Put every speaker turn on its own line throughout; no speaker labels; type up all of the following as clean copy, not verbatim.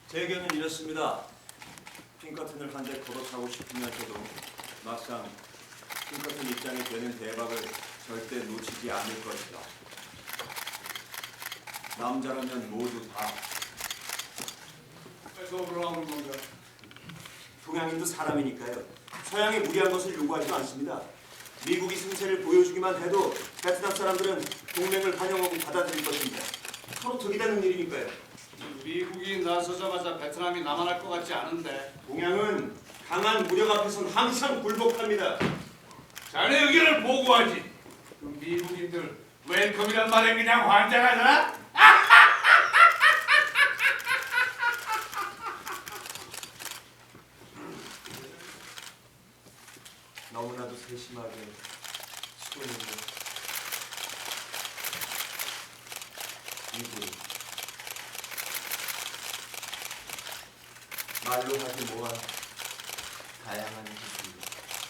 제 의견은 이렇습니다. 핑커튼을 한 대 걷어차고 싶으면서도 막상 핑커튼 입장이 되는 대박을 절대 놓치지 않을 것이다. 남자라면 모두 다.
그래서 그러는 건가?
동양인도 사람이니까요. 서양이 무리한 것을 요구하지도 않습니다. 미국이 승세를 보여주기만 해도 베트남 사람들은 동맹을 환영하고 받아들일 것입니다. 서로 득이 되는 일이니까요.
미국이 나서자마자 베트남이 남아날 것 같지 않은데.
동양은 강한 무력 앞에선 항상 굴복합니다.
자네 의견을 보고하지. 그 미국인들 웰컴이란 말에 그냥 환장하잖아?
너무나도 세심하게 수고했네. 이분 말로 하기 뭐한 다양한 기술입니다.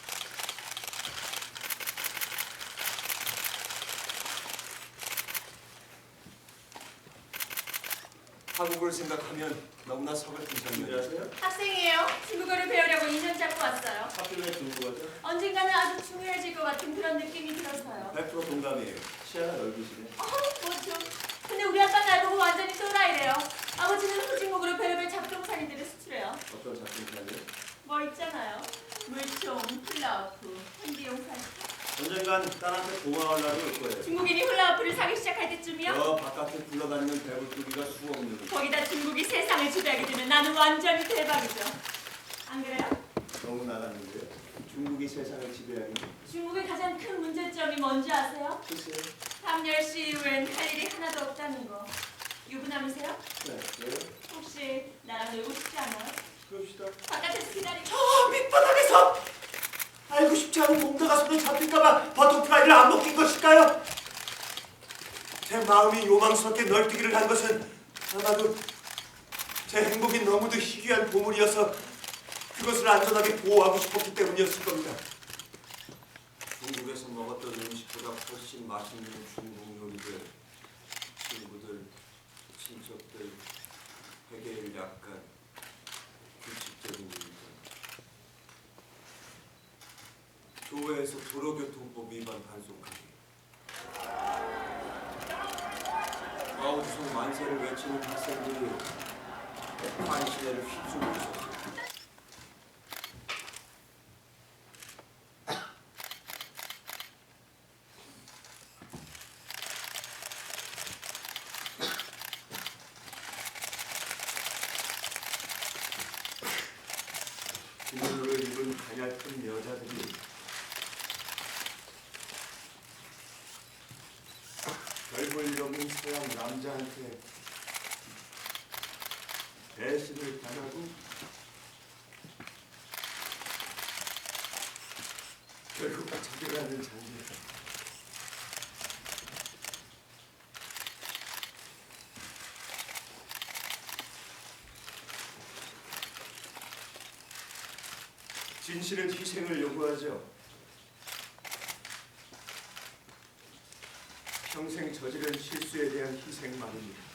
한국을 생각하면 너무나 서글픈 장면이라서요.
학생이에요. 중국어를 배우려고 2년 잡고 왔어요.
학교에 중국어죠?
언젠가는 아주 중요해질 것 같은 그런 느낌이 들어서요.
100% 동감이에요. 시야가 넓으시네.
뭐 좀. 근데 우리 아빠 날 보고 완전히 또라이래요. 아버지는 후진국으로 별의별 잡동사니들을 수출해요.
어떤 작품이냐면
뭐 있잖아요. 물총, 훌라후프, 현기용사.
언젠간 딸한테 고마워하려고 올 거예요.
중국인이 훌라후프를 사기 시작할 때쯤이요?
저 바깥에 굴러다니는 배불뚝이가 수없는.
거기다 중국이 세상을 지배하게 되면 나는 완전히 대박이죠. 안 그래요?
너무 나갔는데요. 중국이 세상을 지배하는
중국의 가장 큰 문제점이 뭔지 아세요?
글쎄요.
밤 10시 이후엔 할 일이 하나도 없다는 거. 유부남이세요?
네, 왜요?
혹시 나랑 놀고 싶지 않아요?
그럽시다.
바깥에서 기다리고.
밑바닥에서 알고 싶지 않은 공다가 손에 잡힐까봐 버터프라이를 안 먹힌 것일까요? 제 마음이 요망스럽게 널뛰기를 한 것은 아마도 제 행복이 너무도 희귀한 보물이어서 그것을 안전하게 보호하고 싶었기 때문이었을 겁니다. 중국에서 먹었던 음식보다 훨씬 맛있는 중국 요리들, 친구들, 친척들, 회개를 약간 규칙적인 일들. 교회에서 도로교통법 위반 단속하기. 마오주송 만세를 외치는 학생들이 환시내를 휩쓸고 있었어요. 비늘을 입은 가냘픈 여자들이 별볼 일 없는 서양 남자한테 배신을 당하고 결국 자결하는 장면. 진실은 희생을 요구하죠. 평생 저지른 실수에 대한 희생만입니다.